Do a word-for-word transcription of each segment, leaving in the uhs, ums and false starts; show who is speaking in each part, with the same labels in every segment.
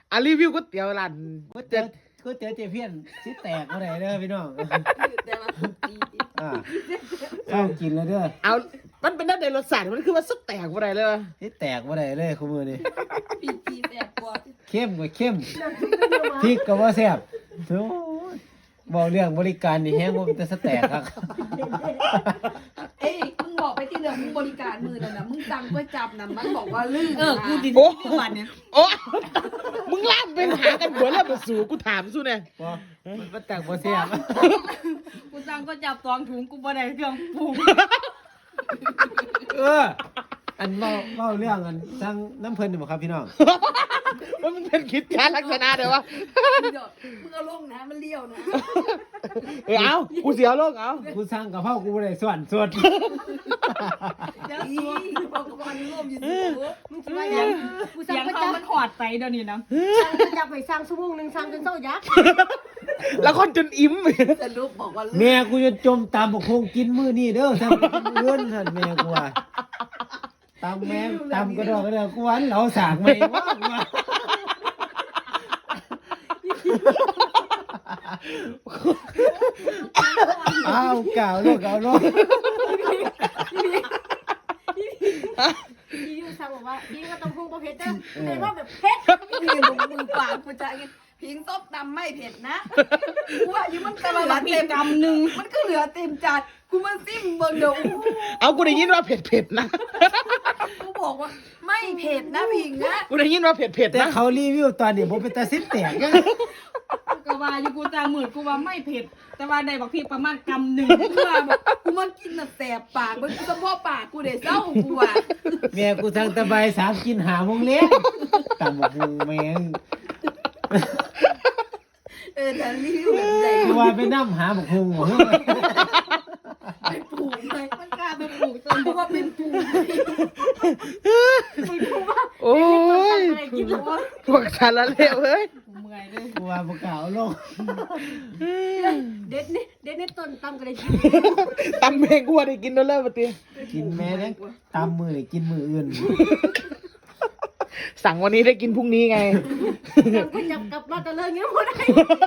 Speaker 1: อ่ะรีวิวก๋วยเตี๋ยวร้าน
Speaker 2: ก๋วยเตี๋ยวก๋วยเตี๋ยวเจเพี้ยนสิแตกบ่ได้เด้อพี่น้อง
Speaker 3: แต่ว่าดี
Speaker 2: อ่าเฝ้ากินแล้วเด้อ
Speaker 1: เอามันเป็นด้านในรสชาติมันคือว่าสุดแตกบ่ได้เลยวะ
Speaker 2: สิแตกบ่ได้เลยคุมื้อนี้
Speaker 3: ปีปีแตกกว่า
Speaker 2: เข้มก็เข้มพริกก็บ่แซ่บโอ้ยบอกเรื่องบริการนี่แฮงบ่เป็นแต่สแตกครับ
Speaker 3: เอ้ยมึงบอกไปที่เรื่องมึงบริการมือนั่นน่ะมึงสั่งก๋วยจับน่ะมันบอกว่าลื่น
Speaker 4: เออกูดิ
Speaker 1: โอ้
Speaker 4: วันเนี่ย
Speaker 1: โอ้มึงลากเป็นหากันหัวแล้วมาสู่กูถามสู้เนี่ย
Speaker 2: บ่มันบ่แตกบ่แซ่บ
Speaker 4: กูสั่งก็จับสองถุงกูบ่ได้เครื่องปรุง
Speaker 2: เอออันเว้าเว้าเรื่องอันสั่งน้ำเพิ่นนี่บ่ครับพี่น้อง
Speaker 1: ว่ามึงเป็นคิดการลักษณะเดี๋ยววะ
Speaker 3: มึงเอามึงเอาลงนะมันเลี้ยวนะ
Speaker 1: เออเอากูเสียโลกเอา
Speaker 2: กูสั่งกะเพรากูบ่ได้ส่วนสด
Speaker 3: เดี๋ยวอีบอกกับมันร่วมอยู่สิ
Speaker 5: มึงจะว่ายังกู
Speaker 4: เสี
Speaker 5: สั่
Speaker 4: ย
Speaker 5: ง
Speaker 4: ง
Speaker 5: ประ
Speaker 4: เขา
Speaker 5: จำ
Speaker 4: มันหอดไปเดี๋ยวนี้นะ
Speaker 5: สั่งประจำไปสั่งชั่วโมงหนึ่งสั่งจนเศร้ายักษ์
Speaker 1: แล้วคนจนอิ่ม
Speaker 3: สรุปบอกว่าลื่น
Speaker 2: แม่กูจะจมตามบกคงกินมื้อนี้เด้อสั่งเงินหั่นแม่กูว่าตามแม่ตามกระดอกกระเดอกกูว่าเหลาสากใหม่ว่ากูว่าอ้าวกล่าวลูกเอาลูก
Speaker 5: พี่ยูสั่งบอกว่าพี่ก็ต้องพุ่งประเภทเด้อแต่ว่าแบบเผ็ด
Speaker 3: นี่มึงมึงปากกูจะไงพิงซบตำไม่เผ็ดนะกูว่าอยู่มันก็เหลือเต็ม
Speaker 4: กำหนึ่ง
Speaker 3: มันก็เหลือเต็มจานกูมาซิมเบิ่งเดี๋ยวอู้
Speaker 1: เอากูได้ยินว่าเผ็ดเผ็ดๆนะ
Speaker 3: กูบอกว่าไม่เผ็ดนะพิงนะ
Speaker 1: กูได้ยินว่าเผ็ดเผ็ด
Speaker 2: แต่
Speaker 1: นะ
Speaker 2: เขารีวิวตอนนี้ผมเป็นตาซิดแตกยัง
Speaker 4: ก็ว่าอยู่กูจางหมื่นกูว่าไม่เผ็ด แต่ว่าได้บอกพี่ประมาณกำหนึ่งเพื่อแบบ
Speaker 3: กูมากินน่ะแสบปากมันเฉพาะปากกูเดี๋ยวเศร้ากูอ่ะ
Speaker 2: แม่กูทางตะไบสามกินหาโมงเล็กตามบอกมึงแม่ง
Speaker 3: เออแต่รีวิวแบบใหญ่
Speaker 2: กูว่าไปนั่หาบอกมึงเหรอ
Speaker 3: ไปปลูกเลยมันกล้าไปปลูกจนเพราะว่าเป็นปลูก
Speaker 5: มึงรู้ว่า
Speaker 1: โอ้ย
Speaker 5: อะไรกินหรอ
Speaker 1: พวกสารเลวเฮ้ย
Speaker 4: กูเมื่อยเลย
Speaker 2: กูว่าบอกกล่าวลง
Speaker 5: เด็ดนี่เด็ดนี่ต้นตำกันเลยกิน
Speaker 1: ตำเมงกูว่าได้กินแล้วเลิกปะตี
Speaker 2: กินแม่เนี่ยตามมือนี่กินมืออื่น
Speaker 1: สั่งวันนี้ได้กินพรุ่งนี้ไง
Speaker 5: สั่งก็จับกลับมาแต่เลิกเงี้ยหมดเลย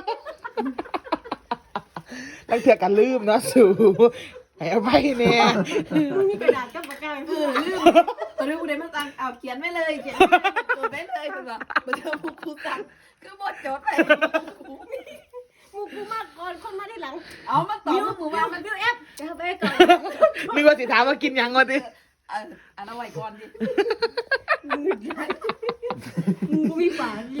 Speaker 1: ตั้งเถื่อกันลืมเนาะสู่ให้เอาไปเนี่ย
Speaker 5: มีกระดาษกับปากกา
Speaker 3: เออลืมตอนนี้กูได้มาสั่งเอาเขียนไว้เลยเขียนจดไว้เลยคือแบบเมื่อเจอกูกูสั่งคือบทจดไปกู
Speaker 5: มูกูมากก่อนคนมาได้หลัง
Speaker 3: เอามาตอบ
Speaker 5: บิว
Speaker 3: มึง
Speaker 5: บิว
Speaker 3: ว่ามัน
Speaker 5: บิวแอปเอาไปก่อน
Speaker 1: นึกว่าสิถามว่ากินยังก่อนดิ
Speaker 3: เอออันเอาไว้ก่อนดิ
Speaker 5: มึงกูมีฝาดี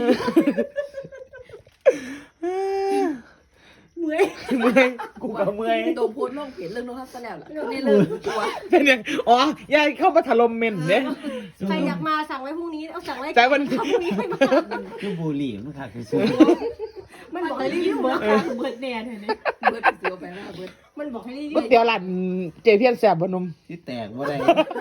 Speaker 5: เมื่อย
Speaker 1: เมื่อยกูก็เมื่อย
Speaker 3: โดนโพสต์ลงเพจเรื่องน้องทัศน์แล้วล่ะนี่เรื่องตัว
Speaker 1: เป็นยังอ๋อยายเข้ามาถล่มเมนเนี่ย
Speaker 5: ใครอยากมาสั่งไว้พรุ่งนี้เอาสั่งไว้
Speaker 1: แต่วัน
Speaker 5: พรุ่งนี้ไม่มา
Speaker 2: คือบุหรี่มันขาดคือซื้อ
Speaker 5: มันบอกให้รีวิว
Speaker 4: เบิ
Speaker 5: เบิ
Speaker 4: ร์
Speaker 5: ร์
Speaker 4: ด
Speaker 5: ด
Speaker 4: เบิร์ดแน่เลยเนี่ย
Speaker 3: เบิร์ดเสียวไปแล้วเบิร์ด
Speaker 5: มันบอกให้รีวิ
Speaker 1: ก๋วยว เตี๋ยวร้านเจเพียนแสบบนม
Speaker 2: ที่แตกบ่ได้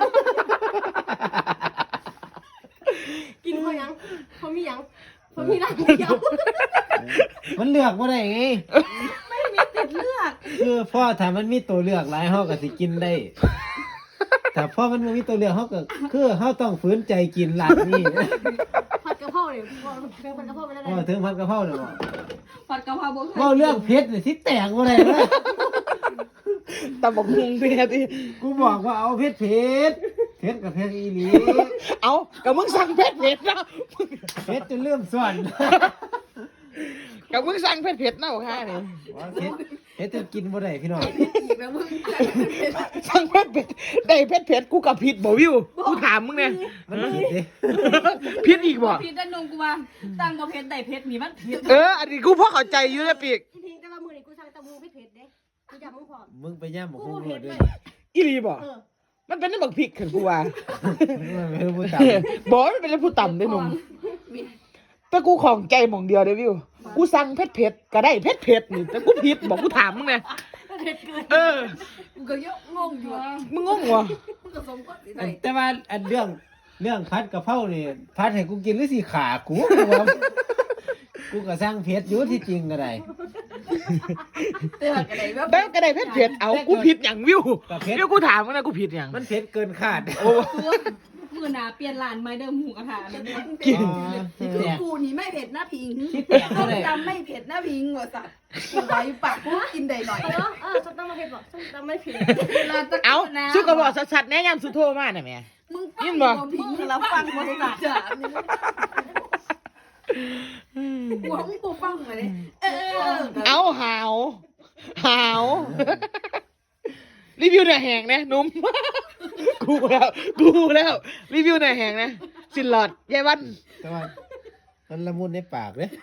Speaker 5: กินเขายังเขามียังเขามีร้านเดียว
Speaker 2: มันเลือกบ่ได้ไง
Speaker 4: ไม่มีติดเลือก
Speaker 2: คือพ่อถ้ามันมีตัวเลือกหลายเฮาก็สิกินได้แต่พ่อมันบ่มีตัวเลือกเฮาก็คือเฮาต้องฝืนใจกินร้านนี้
Speaker 5: ผัดกะเพราเนี่ยพอเป็นผัดกะเพราไปแล้ว
Speaker 2: พอถึงพันกะเพราแล้วบ่
Speaker 4: ผัดกะเพราบุก
Speaker 2: เว้าเรื่องเผ็ดนี่สิแตกบ่ได้เด้อ
Speaker 1: ตำบักหุ่งเนี่ยที่
Speaker 2: กูบอกว่าเอาเผ็ดเผ็ดเผ็ดกับเผ็ดอีหลี
Speaker 1: เอากับมึงสั่งเผ็ดเผ็ดนะ
Speaker 2: เผ็ดจนเริ่มส่วน
Speaker 1: กับมึงสั่งเผ็ดเผ็ดนะบอกค่ะนี่
Speaker 2: ว่าเผ็ดเผ็ดจนกินบ่ได้พี่น้อง
Speaker 3: อีกแล้วมึง
Speaker 1: สั่งเผ็ดเผ็ดได้เผ็ดเผ็ดกูกับผิดบ่วิวกูถามมึงเนี่ย
Speaker 2: มันผิดเด้
Speaker 1: ผิดอีกบ่
Speaker 4: พี่ด้านนงกูว่าตั้งบ่เผ็ดได้เผ็ดนี่มันเผ็ด
Speaker 1: เอออันนี้กูพอเข้าใจอยู่นะปีก
Speaker 5: จริงๆแต่ว่ามือนี่กูสั่งตะมูเผ็ดๆเด้กูอยากมึงพอ
Speaker 2: มึงไปย่ำบอก
Speaker 5: กู
Speaker 2: คงโห
Speaker 5: เผ็
Speaker 2: ด
Speaker 5: ด
Speaker 2: ด้
Speaker 5: เล
Speaker 2: วย
Speaker 5: ย
Speaker 1: อีหลีบ่
Speaker 5: เออ
Speaker 1: มันเป็นน้ำบักพริกขึ้นกูว่า
Speaker 2: มันไม่รู้พูดตาม
Speaker 1: บอกว่ามันเป็นผู้ต่ำได้หนุ่มแต่กูของใจหม่องเดียวเด้วิวกูสั่งเผ็ดเผ็ดก็ได้เผ็ดเผ็ดนี่แต่กูผิดบอกกูถามมึงไง
Speaker 5: เผ็ดเกิน
Speaker 1: เออ
Speaker 3: กูก็ยกงงอยู่
Speaker 1: มึงงงวะ
Speaker 3: มึงก็สมก็สิ
Speaker 2: อั
Speaker 3: ได้
Speaker 2: นแต่ว่าอันเรื่องเรื่องพัดกะเพรานี่พัดให้กูกินหรือสิขากูกูว่ากูก็สร้างเผ็ดอยู่ที่จริงก็ได้
Speaker 3: แต่ว่าก็ได้แบบ
Speaker 1: ได้ก็ได้เผ็ดเผ็ดเอากูผิดอย่างวิว
Speaker 2: ก็เผ็ด
Speaker 1: วิวกูถามมึงนะกูผิดอย่าง
Speaker 2: มันเผ็ดเกินคาด
Speaker 1: โอ้
Speaker 4: ตัวมึงมือหนาเปลี่ยนร้านไม่เดิมหมูกระทะนั่นเนี่ย
Speaker 1: กิน
Speaker 2: ที่
Speaker 3: คือ
Speaker 2: แตก
Speaker 3: กูนี่ไม่เผ็ดหน้าพิง
Speaker 2: ที่แตก
Speaker 3: ต้
Speaker 2: ก็
Speaker 3: ม
Speaker 2: ได้
Speaker 3: ยำไม่เผ็ดหน้าพิงว่ะสัตว์กูไว้ปากกูกินได้หน่อย
Speaker 5: เออเออส้มตำมาเผ็ดบอกส้มตำไม่เผ็ด
Speaker 3: เวลาตะ
Speaker 1: เอา
Speaker 3: โกนนะ
Speaker 1: สุกกระบอกชัดๆแนะยำสุโทรมาหน่อยแม่
Speaker 3: มึง
Speaker 1: ยิ
Speaker 3: ฟัง
Speaker 1: นบ่
Speaker 3: บ่พิงแล้วฟังบ่สัตว์จ้ะกูของกูฟังมาเลยเออ
Speaker 1: เอาหาวหาวรีวิวเนื้อแห้งนะหนุ่ม กูแล้วกูแล้วรีวิวเนื้อแห้งนะสินหลอดยายวัน
Speaker 2: แต่ว่ามันละมุนในปากเลย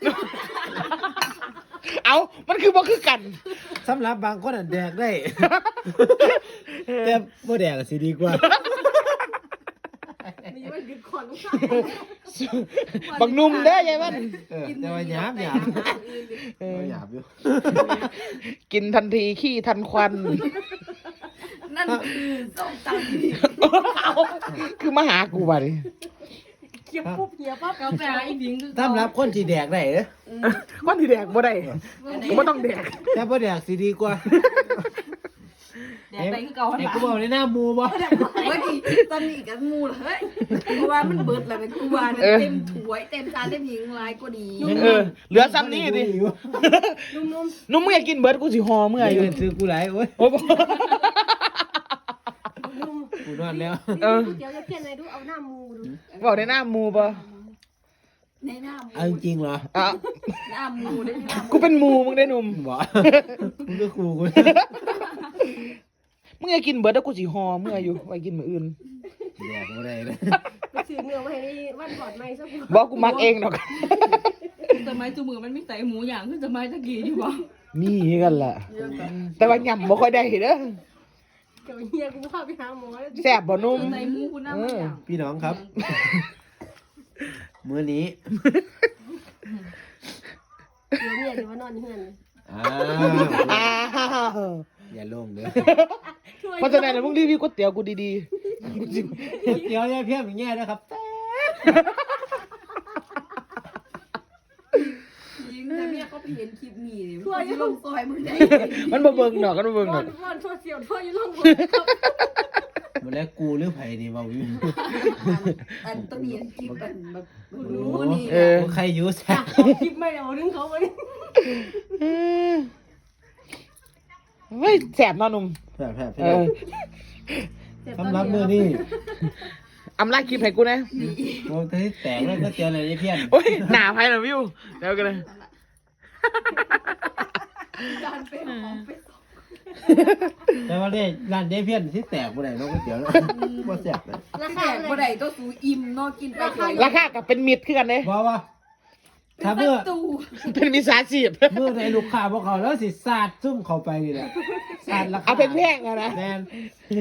Speaker 1: เอามันคือบ่คือกัน
Speaker 2: สำหรับบางคนอ่ะแดกได้ แต่บ่แดกก็สิดีกว่า
Speaker 5: มีมันดึกขอนลูกค้า
Speaker 1: บักนุ่มเด้อยายวัน
Speaker 2: เออแต่ว่าหยาบหยาบเออหยาบอยู่
Speaker 1: กินทันทีขี้ทันควัน
Speaker 3: นั่นคือส้มตำ
Speaker 1: เอาคือมาหากูบ่ดิ
Speaker 5: เขียบปุ๊บเหี่ยปั๊บ
Speaker 4: กาแฟอีพิงคือ
Speaker 2: สำหรับคนที่แดกได้เด้อ
Speaker 1: วันที่แดกบ่ได้กูบ่ต้องแดก
Speaker 2: แต่บ่แดกสิดีกว่า
Speaker 4: แดดไปคือเก่า
Speaker 2: ไอ้
Speaker 4: ห
Speaker 2: กูบอกในหน้าหมูบ่
Speaker 3: เฮ้ยตอนนี้กับมูลเฮ้ยเพราะว่ามันเบิดแล้วเป็นกูว่าเนี่ยเต็มถ้วยเต็มจานเต็มหิงลายก็ดี
Speaker 1: เออเหลือซ้ำนี่ดิ
Speaker 5: นุ่ม
Speaker 1: นุ่มมึงอยากกินเบิร์ดกูสิหอเมื่อ
Speaker 2: ไอ้
Speaker 1: อยู่
Speaker 2: เป็นซื้อกูหลายโอ้ย
Speaker 1: โอ้โห
Speaker 5: ๆนุ่ม
Speaker 2: กูนอนแล้ว
Speaker 1: เออ
Speaker 5: เดี๋ยวจะเพี้ยนอะไรดูเอาหน้ามูดู
Speaker 1: บอกในหน้ามูปะ
Speaker 3: ในหน้ามู
Speaker 2: เอาจริงๆเหรอ
Speaker 1: อ่ะ
Speaker 3: หน้ามูได้หน้ามู
Speaker 1: กูเป็นมูมึงได้หนุ่ม
Speaker 2: บ่มึงก็ครูกู
Speaker 1: มึงอยากกินเบิร์ดแล้วกูสิหอเมื่ออยู่ไว้กินมื้ออื่น
Speaker 2: แดกบ่ได้เลย
Speaker 5: ไปซื้อเนื้อมาให้นี่วันก่อนไหมสัก
Speaker 1: บอกกูมักเองดอก
Speaker 4: สมัยจูมือมันไม่ใส่หมูอย่างคือสมัยตะกี้อยู่บ่
Speaker 1: มีกันแหละแต่ว่าย่ำบ่ค่อยได้เด้อ
Speaker 5: เดี๋ยวเฮียกูพาไปหาหมอแล้ว
Speaker 1: แซ่บบ่นุ่ม
Speaker 4: ใส่หมูคุณน้ำมันอย่าง
Speaker 2: พี่น้องครับ มื้อนี้
Speaker 5: เดี๋ยวเนี่ยเดี๋ยวมานอนเฮือน
Speaker 2: อ้า
Speaker 1: อ้าว
Speaker 2: วอย่าลงเด้อ
Speaker 1: เพราะฉะนั้นมึงรีวิวก๋วยเตี๋ยวกูดีๆกูสิ
Speaker 2: เดี๋ยวเนี่ยเพี้ยนอย่างเงี้ยนะครับ
Speaker 3: ยิงแต่เมียก็ไปเห็นคลิปนี้เลยทั่วลงซอยมึงได้
Speaker 1: มันบ่เบิ่งดอกกันบ่เบิ่ง
Speaker 5: ว
Speaker 1: ด
Speaker 5: อ
Speaker 1: อก
Speaker 5: นวอนทั่วเสียวทั่วอยู่ลง
Speaker 2: บ่แล้วกูหรือไผนี่เว้าอยู่
Speaker 3: อันต้องมีคลิปอันแบบรู้นี่
Speaker 1: เออ
Speaker 2: ใครอยู่แซ่
Speaker 5: คลิปไม่เอาดึงเขาไว้
Speaker 1: เฮ้ยแซ่บเนาะหนุ่ม
Speaker 2: แซ่บๆ
Speaker 1: เออ
Speaker 2: สำหรับมื้อนี้
Speaker 1: อำลาคลิปให้กูนะ
Speaker 2: โอ้ที่แตกแล้วก็เตียวเลยไอ้เพี้ยน
Speaker 1: โอ้ยหนาไปนะวิวเดี๋ยวกันเลย
Speaker 3: การเป็นของเป็น
Speaker 2: แต่ว่าเนี่ยร้านเด้เพี้ยนที่แตกบ่ได้เนาะก๋วยเตี๋ยวเนาะบ่แซ่บเลย
Speaker 5: รา
Speaker 3: แข
Speaker 5: คาก
Speaker 3: บ่ได้ตัวสูอิ่มเนาะกินไปเลย
Speaker 1: ราคากับเป็นมิตรคือกันเลย
Speaker 2: บ่ว่า
Speaker 3: เป็น
Speaker 2: ถ้า
Speaker 3: ป
Speaker 2: เมื่อ
Speaker 3: ระตู
Speaker 1: เป็นมิตรสาชีพ
Speaker 2: เมื่อในลูกค้าบ่เขาแล้วสิสาดซุ่มเข้าไปนี่แหละสาดราคา
Speaker 1: เอาเป็นแพงอะนะ
Speaker 2: แม่น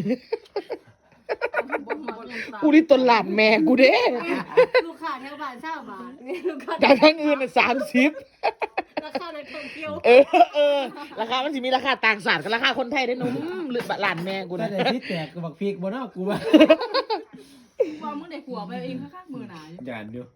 Speaker 1: กูนี่ต้นหลานแม่กูเด้
Speaker 5: ลูกค้าแถวบ้านเช่าบาทนี่ลูกค้า
Speaker 1: แต่ทั้งอื่นน่ะสามสิบ
Speaker 5: ราคาในท่องเที่ยว
Speaker 1: เออเออราคามันสิมีราคาต่างศาสตร์กับราคาคนไทยได้อหนุ่มหรือหลานแม่กู
Speaker 2: แต่
Speaker 1: นะ
Speaker 2: ได้ที่แตกก็บักพริกบ่เนาะกูว่า
Speaker 4: ว่ามึงได้ขัวไปเองข้างๆมือหนา
Speaker 2: ย่านอยู่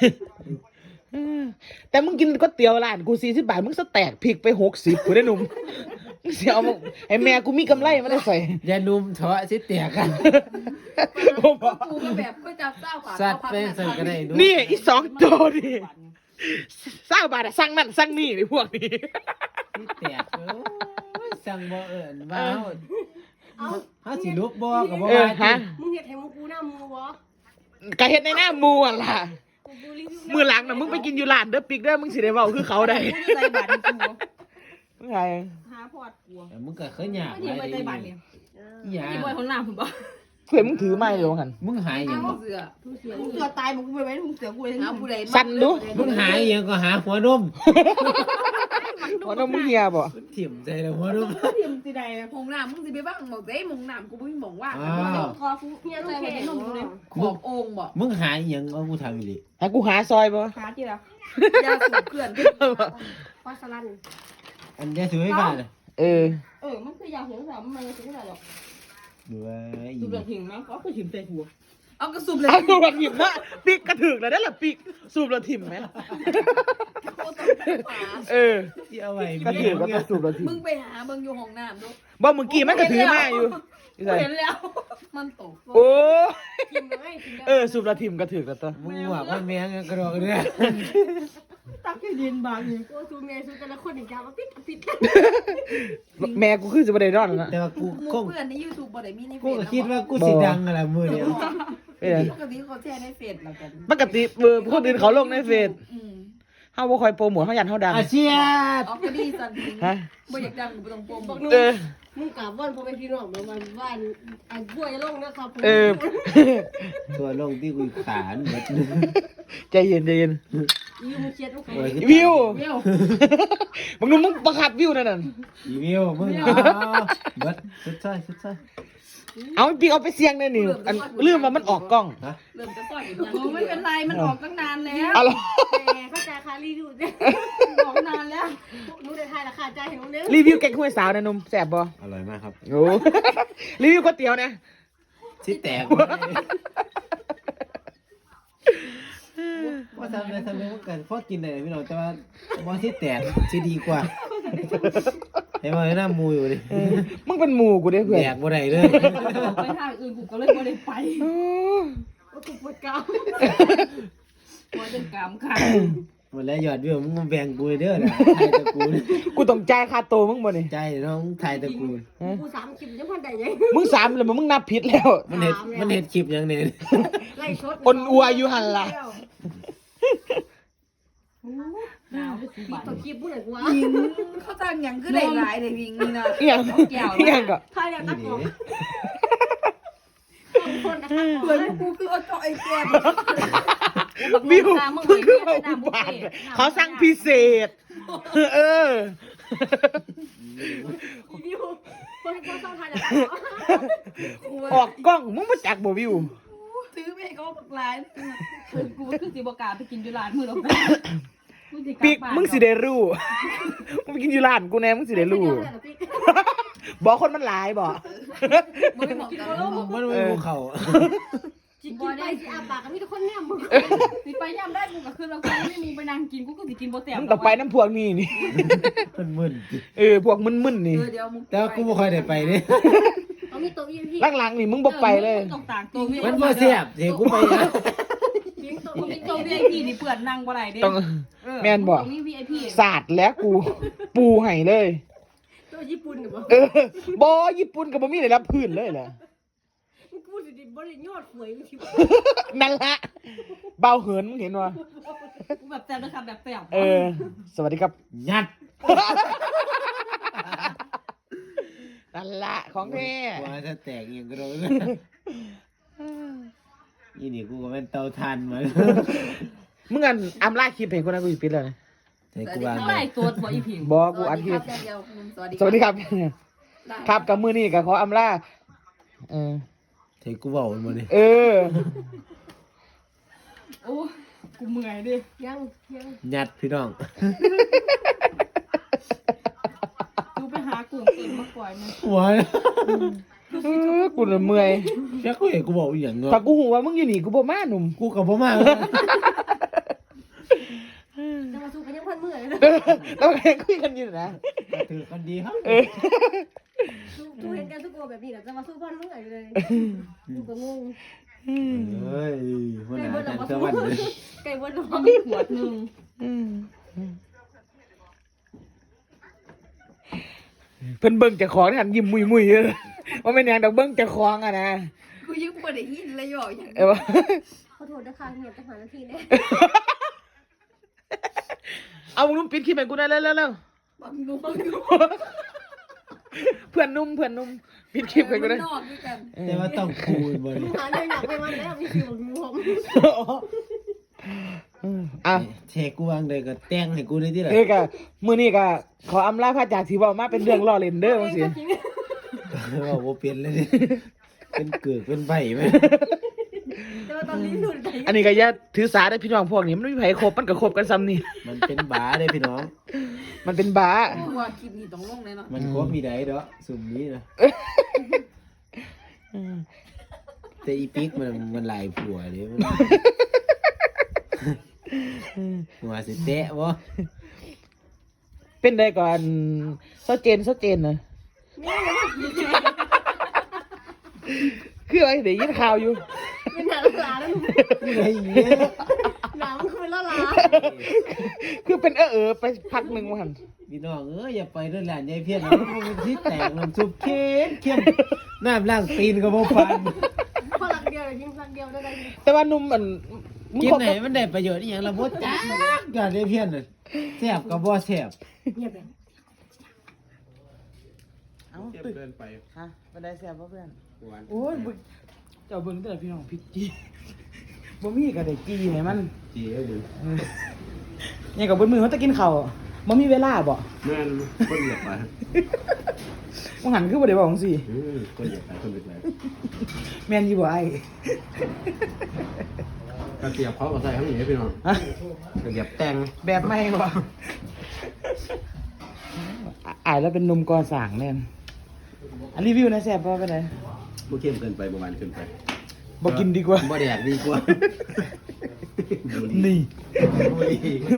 Speaker 1: แต่มึงกินก๋วยเตี๋ยวร้านกูสี่สิบบาทมึงสแต็กพริกไปหกสิบกูได้อหนุ่มมึงเสียเอามาไอ้แม่กูมีกำไรมาได้ใส่
Speaker 2: อย่านุ่มเถาะสิแตกกัน
Speaker 3: กูก็แบบก็จับเจ้าขา
Speaker 2: สัตว์เป็นสัตว์ก็ได้ดู
Speaker 1: นี่อีสองตัวดิเศร้าบาทอะสั่งนั่นสั่งนี่ไอ้พวกนี้
Speaker 2: ที่แตกเอ้ยสั่งบ่เอิ้นว่าเฮา
Speaker 5: เอา
Speaker 2: เฮาสิลุกบ่ก็บ่
Speaker 1: เออ
Speaker 2: ว่า
Speaker 1: ฮะ
Speaker 5: มึงเห็ดให้มึงกูหน้ามูวะ
Speaker 1: กะเฮ็ดในหน้ามูอ่ะล่ะ
Speaker 5: กูกูรีวิว
Speaker 1: มือหลังน่ะมึงไปกินอยู่ร้านเด้อปิกเด้อมึงสิได้เว้าคือเขาได้
Speaker 4: กูจะใส่บัตรกู
Speaker 1: มึงไง
Speaker 4: หาพอดกู
Speaker 2: แต่มึงก็เคยยาก
Speaker 4: ไม่
Speaker 2: ห
Speaker 4: ดี
Speaker 2: ลาย
Speaker 4: ไป
Speaker 2: เด้
Speaker 4: ใส่บัตรเนี่ย
Speaker 2: อีหยัง
Speaker 4: พี่บอยคนหน้าผมบอก
Speaker 1: เพื่อนมึงถือไม้อยู่หั่น
Speaker 2: มึงหายหยัง
Speaker 3: เอา
Speaker 2: บ่
Speaker 3: เสือ
Speaker 5: มึงเสีย
Speaker 3: มึงเสือตายมึงไปไว้มึงเสือกูเลยเอาผู้ใด
Speaker 1: สั่นดู
Speaker 2: มึงหายหยังก็หาหัวนม
Speaker 1: ว่าน้องมึงเฮียบ่
Speaker 2: ถิ่มใจเลยหัวนม
Speaker 4: เตรียมสิได้
Speaker 3: มงน้ำมึงสิไปบ้างหมองเด้มงน้ำกูไม่มองว่า
Speaker 2: อ้าว
Speaker 5: คอฟูเฮียต้องแข็ง
Speaker 3: ขอบองค์บ่
Speaker 2: มึงหายหยังเอากูถามอีหลี
Speaker 1: ให้กูหาซอยบ่
Speaker 4: หาที่ละ
Speaker 3: ยาสูบเกลื่อน
Speaker 5: ปลาสลัน
Speaker 2: อันยาสูบไฟฟ้าน่ะ
Speaker 1: เออ
Speaker 4: เออมันคือยาเสียงสามมันยังเสียงอะไรหรอก
Speaker 2: ดูว่าอี
Speaker 4: ดูเรื่องหิงมั้งก็คือหิมใส่หัวเอากระสุนเลย
Speaker 1: เอาสูบละถิ่มนะปีกกระถึกเลยได้หรอปีกสูบละถิ่มไหมเออ
Speaker 2: ที่เอาไว้
Speaker 1: กระถึกก็สูบละถิ่ม
Speaker 3: มึงไปหาเบิ่งอยู่ห้องน้ำดู
Speaker 1: บ่เมื่อกี้มันกระถือมาอยู่
Speaker 4: เห็นแล้ว
Speaker 3: มันตก
Speaker 1: โอ้
Speaker 5: กินเลยกินเลย
Speaker 1: เออสูบละถิ่มกระถือกันตัว
Speaker 2: มึงว่ามันแม่งกระโดดเรือ
Speaker 4: ตักให้ดินบางอยู่
Speaker 5: โอ้สูเมียสูแต่ละคนอีกอย่างมาปิดปิด
Speaker 1: แม่กูคือจะบ่ได้นอนแล้วนะ
Speaker 2: แต่ว่ากู
Speaker 3: หมู่
Speaker 2: คง
Speaker 3: เพื่อนใน YouTube บ่ได้มีในเฟ
Speaker 2: กู
Speaker 3: ซ
Speaker 2: ก็คิดว่ากูสิดังอะไรมือเดียว
Speaker 1: เอ้ย
Speaker 3: ปกติเขาแชร์ในเฟซแล้วกัน
Speaker 1: ปกติเออคนอื่นเขาลงในเฟซ
Speaker 3: อืม
Speaker 1: เฮาบ่ค่อยโปรโมทเฮายันเฮาดัง
Speaker 2: อาเชียด
Speaker 3: ออกก็ดีสันติ
Speaker 1: ฮะ
Speaker 3: บ่อยากดังบ่ต้องโปรโมท
Speaker 1: เออ
Speaker 5: มึงกลับวันพอไปพี่น้องเมื่อวันว่านอันบัวจะลงนะครับผม
Speaker 1: เออ
Speaker 2: ตัวลงที่กูขานหมด
Speaker 1: ใจเย็นใจเย็น
Speaker 5: ยูมึงเชียร์ทุกคน
Speaker 2: โอ้ย
Speaker 1: วิว
Speaker 4: เดี๋ยว
Speaker 1: มึงดูมึงบังคับวิวนั่นน่ะ
Speaker 2: อีวิวมึงเอาเบิดสุดท้ายสุดท้าย
Speaker 1: เอาปีกเอาไปเสี่ยงได้นี่อันลืมว่ามันออกกล้อง
Speaker 2: ฮะ
Speaker 3: เริ่มจะซอยอีก
Speaker 4: โอ้ไม่เป็นไรมันออกตั้งนานแล้ว
Speaker 1: เอาล่ะ
Speaker 5: แต่เข้าใจค่ะรีดูเนี่ย
Speaker 4: ออกนานแล้ว
Speaker 5: นู้นได้ทายราคาใจเห็นมึงเด้อ
Speaker 1: รีวิวแกงห้วยสาวนะหนุ่มแซ่บบ่
Speaker 2: อร่อยมากครับ
Speaker 1: โอ้ รีวิวก๋วยเตี๋ยวนะ
Speaker 2: ที่แตกว่าทำอะไรทำอะไรมันกันพอกินได้พี่น้องแต่ว่าบอที่แตกที่ดีกว่าเห็นไหมหน้ามูอยู่ดิ
Speaker 1: เออมึงเป็นหมู่กูเด้เพื่อน
Speaker 2: แตกบ่ได้เลย
Speaker 4: ไปทางอื่นกูก็เลยไม่ได้ไป
Speaker 1: โอ้
Speaker 5: โอ้กูปวดกราม
Speaker 4: หัวจนกามขาด
Speaker 2: หมดแล้วยอดวิวมึงมาแบ่งกูเด้อนะไทยตระกูล
Speaker 1: กูต้องจ่ายค่าโตวมึงบ่นี่
Speaker 2: ใจน้องไทยตระกูล
Speaker 1: ฮะ
Speaker 5: กูสามคลิปยังพันใดยัง
Speaker 1: มึงสามแล้วมึงนับผิดแล้ว
Speaker 2: มันเห็ดมันเห็ดคลิปอย่างนี้
Speaker 5: ไล่ชด
Speaker 1: อนอัวอยู่หั่นล่ะ
Speaker 4: หนาวไปสู
Speaker 5: ปิ
Speaker 4: บา
Speaker 5: ด
Speaker 4: น
Speaker 5: ตัวคลิปพูดหน่อยกูว่า
Speaker 3: ยิงเขาจ้างหยังคือได้หลายได้วิ่งนี่นะ
Speaker 1: เอียงเอียงก็
Speaker 5: ทายแล้ว
Speaker 2: นี่
Speaker 5: ตัก
Speaker 2: ดิ
Speaker 5: ออกทุกคนนะคะ
Speaker 3: เพื่อนกูคือเอาเจาะไอ้แก้ม
Speaker 1: วิวมึงคือเอาอุบาทเขาสั่งพิเศษ เออ
Speaker 5: วิวคนเขาต้องทายแล้วตักออก
Speaker 1: ออกกล้องมึงมาจักบ่วิว
Speaker 3: ซื้อไปให้เขาบักหลาย
Speaker 4: กูคือสิบกล้าไปกินอยู่ร้านมือเรากูสิ
Speaker 1: ปีกมึงสิได้รู้ มึงไปกินอยู่ร้านกูแน่มึงสิได้รู้ บอกคนมันหลายบ่
Speaker 3: มึงไม่บอกกันแล้ว
Speaker 2: มันไม่ภูเขา
Speaker 5: จิกกินไปสิอาปากก็มีแต่คนแนมมึง
Speaker 4: สิไปย่ำได้กูก็คือเรากูไม่มีไปนั่งกินกูก็สิกินโปรแซ่บ
Speaker 1: มึงต้องไปน้ำพวกนี้นี่
Speaker 2: มันมึน
Speaker 1: เออพวกมึนๆนี่
Speaker 3: เออเดี๋ยวมึง
Speaker 2: แต่ว่ากูไม่ค่อยได้ไปนี่
Speaker 5: เขามีตัวอีพี
Speaker 1: หลังๆนี่มึงบ่ไปเลย
Speaker 4: ต้องต่างตัว
Speaker 2: มันบ่เสียบเดี๋ยวกูไปนะ
Speaker 5: ยิงตัว
Speaker 4: มึง
Speaker 5: อี
Speaker 4: เป็น
Speaker 5: พี
Speaker 4: ตัว วี ไอ พีนี่เปิดนั่งบ่ได้เด้
Speaker 1: ต้องแม่นบ่
Speaker 4: มี วี ไอ พี
Speaker 1: ศาสตร์แล้วกู ปูให้เลย
Speaker 5: ตัวญี่ปุ่นหรือเปล่า
Speaker 1: เออบ่ญี่ปุ่นก็บ่มีได้รับพื้นเลยแหละ
Speaker 5: มึงพูดดิบริยอดหวยมึงคิดว่า
Speaker 1: นั่นละเบาเหินมึงเห็นวะ
Speaker 4: กูแบบแซ่บนะครับแบบแซ่บ
Speaker 1: เออ สวัสดีครับ
Speaker 2: ยัด
Speaker 1: นั่นละของแท้
Speaker 2: ว่าถ้าแตกเองก็โดนอีนี่กูก็เป็นเตาถ่านมา
Speaker 1: มึงอันอำลาคลิปให้คนนั้นกูสิปิดแล้วนะ
Speaker 2: แต่กูวาง
Speaker 4: เท่าไหร่ตัวบ่อีพิง
Speaker 1: บ่กูอัดคลิป
Speaker 3: เดียวสวัสดี
Speaker 1: สวัสดีครับ ครับกับมือนี่ก็ขออำลาเออ
Speaker 2: เทกูบอกมาดิ
Speaker 1: เออ
Speaker 4: โอ้กูเมื่อยดิ
Speaker 5: ยังยัง
Speaker 2: ยัดพี่น้อง
Speaker 4: กูไปหากุ้งเต็มมาปล่อยมัน
Speaker 2: หัว
Speaker 1: เออกูน่ะเมื่อย
Speaker 2: แค่กูเห็นกูบอกอย่างเงี้ย
Speaker 1: ถ้ากูหูว่ามึงอยู่นี่กูบ่มาหนุ่ม
Speaker 2: กูกับพ่อมา
Speaker 5: จะมาสู้กันยังพันมือเลยนะ
Speaker 1: เออแล้วก็ยังคุยกันอยู่นะ
Speaker 2: ถือกันดีครับ
Speaker 1: เออ
Speaker 5: สู้เห็นกันทุกโกแบบนี้แหละจะมาสู้พันมือเลยกูก็งง
Speaker 2: เฮ้ยมันหากันสวรรค์เลย
Speaker 5: ไก่บนหลอ
Speaker 4: มีขวดหนึง
Speaker 1: เพิ่นเบิ่งเจ้าของนี่หันยิ้มมุยๆเด้อว่าแม่นหยังดอกเบิ่งเจ้าของอะนะ
Speaker 3: กูยังบ่ได้ยินเลยบอกอย่าง
Speaker 1: เออว่า
Speaker 5: ขอโทษนะคะเงียบจะหานาทีเนี่ย
Speaker 1: เอามึงนุ่มปิดคลิปให้กูได้เร็วๆ
Speaker 3: บังนูบังนู
Speaker 1: ๆเพื่อนนุ่มเพื่อนนุ่มปิดคลิปให้กูได้
Speaker 3: นอกด้วยกัน
Speaker 2: แต่ว่าต้องคูณบ่ดิ
Speaker 5: หาเรื่องหนักไปมันแล้วมีคิวของผม
Speaker 1: อ่ะ
Speaker 2: เทกูวางเลยก็แต่งให้กูได้ที่ไหน
Speaker 1: เอ้ยก็มื้อนี้ก็ขออำลาพระจากที่เว้ามาเป็นเรื่องล้อเล่นเด้อจังซี่
Speaker 2: ว่าโบเป็นเลยดิเป็นเกิดเป็นใบไหม
Speaker 5: แต่ว่าตอนนี้หลุดไป
Speaker 1: อันนี้ก็อย่าถือสาได้พี่น้องพวกนี้มันไม่มีไผครบมันก็ครบกันซ้ำนี่
Speaker 2: มันเป็นบาได้พี่น้อง
Speaker 1: มันเป็นบ้า
Speaker 3: กูว่าคลิปนี้ต้องลงเลยเนาะ
Speaker 2: มันครบมีได้เด้อสุ่มนี้นะแต่อีปิกมันมันหลายผัวเด้มันหัวสิเตะบ่
Speaker 1: เป็นได้ก่อนเซาเจนเซาเจนนะคืออะไรเดี๋ยวยินข่าวอยู่
Speaker 5: เป็นหนาลาแล้วหนู
Speaker 2: ไอ้เหี้ย
Speaker 5: หนามันคือเป็นละลา
Speaker 1: คือเป็นเออเออไปพักหนึ่งวัน
Speaker 2: พี่น้องเอ้ยอย่าไปเรื่องหลานยายเพี้ยนนะมันเป็นที่แตกน้ำซุปเค็มเค็มน้ำล้างตีนก็บ่ฟัน
Speaker 5: พอหลักเดียวยิงหลักเดียวได้ได้
Speaker 1: แต่ว่านุ่มมันมึง
Speaker 2: กิน
Speaker 1: คบ
Speaker 2: ไหน
Speaker 1: กับ
Speaker 2: มันได้ประโยชน์อีหยังล่ะบ่จ้ากันยายเพี้ยนน่ะแซ่บก็บ่แซ่บ
Speaker 5: เงียบแบบ
Speaker 1: เอ้า
Speaker 2: เค็ม
Speaker 1: ตึก
Speaker 2: เกินไป
Speaker 1: ฮะเป็นได้แซ่บป่ะเพื่อน
Speaker 2: หวาน
Speaker 1: โอ้ยบึกเจ้าเบิ่งแต่ละพี่น้องพริกจีบ่มีก็ได้จีให้มัน
Speaker 2: จีเอ้ย
Speaker 1: เออยังกับเบิ่มือเขาจะกินข้าวบ่มีเวลาบ่
Speaker 2: แม่นคนอยากไป
Speaker 1: มึงหันคือบ่ได้บอกจังซี่
Speaker 2: อือคนอยากไปคนอยากไป
Speaker 1: แม่นอยู่บ่ไอ้
Speaker 2: กระเทียมเขาก็ใส่ข้างนี้พี่น้อง
Speaker 1: ฮะ
Speaker 2: กระเทียมแต่ง
Speaker 1: แบบใหม่บ่อ่ะอ้ายแล้วเป็นหนุ่มก่อสร้างแน่นอันรีวิวหนะแซ่บบ่เป็นได
Speaker 2: บ่เค็มเกินไปบ่หวานเกินไป
Speaker 1: บ่กินดีกว่า
Speaker 2: บ่แดกดีกว่า
Speaker 1: นี่
Speaker 2: บุหรี่